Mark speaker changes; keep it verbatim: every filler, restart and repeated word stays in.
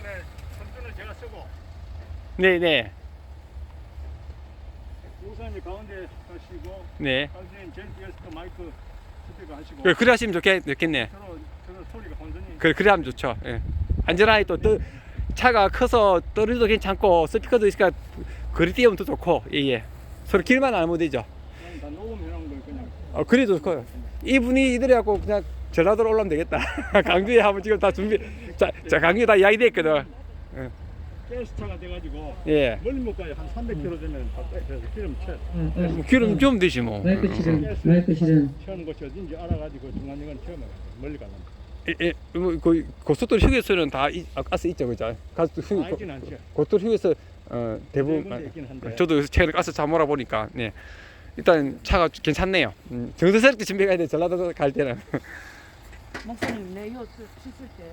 Speaker 1: 그다음에 선두는 제가 쓰고
Speaker 2: 네네.
Speaker 1: 우선이 가운데 하시고
Speaker 2: 네.
Speaker 1: 당신은 제일 뒤에서 또 마이크 스피커 하시고
Speaker 2: 그래, 그래 하시면 좋겠, 좋겠네.
Speaker 1: 서로 서로 소리가 혼선이
Speaker 2: 그래, 그래 하면 좋죠. 예. 안전하게 또, 떠, 차가 커서 떨어져도 괜찮고, 스피커도 있으니까 거리 띄우면 더 좋고, 예, 예. 서로 길만 안 하면 되죠.
Speaker 1: 그냥 다 녹음해놓은 걸 그냥
Speaker 2: 어, 그래도 좋고요. 이분이 이들이 갖고 그냥 전라도로 올라오면 되겠다. 강주에 하면 지금 다 준비, 자, 자 강주에 다 이야기 됐거든.
Speaker 1: 가스차가 돼가지고
Speaker 2: 예.
Speaker 1: 멀리 못 가요. 한 삼백 킬로미터 되면 다 빼서 기름 채
Speaker 3: 응, 응.
Speaker 2: 뭐 기름 좀 되지 뭐.
Speaker 3: 마이크 실은 마이크 실은
Speaker 1: 채우는 곳이 어딘지 알아가지고 중간중간 채우면 멀리 가는
Speaker 2: 예, 예, 뭐, 그 고속도로 휴게소는 다 이, 아, 가스 있죠, 그죠? 가스 휴,
Speaker 1: 거 알긴 않죠.
Speaker 2: 고속도로 휴게소 어, 대부분
Speaker 1: 네 군데 있긴 한데.
Speaker 2: 저도 최근에 가스 차 몰아보니까 네. 일단 차가 괜찮네요. 음, 정성스럽게 준비해야 돼 전라도 갈 때는.
Speaker 4: 목사님 내 이거 씻을 때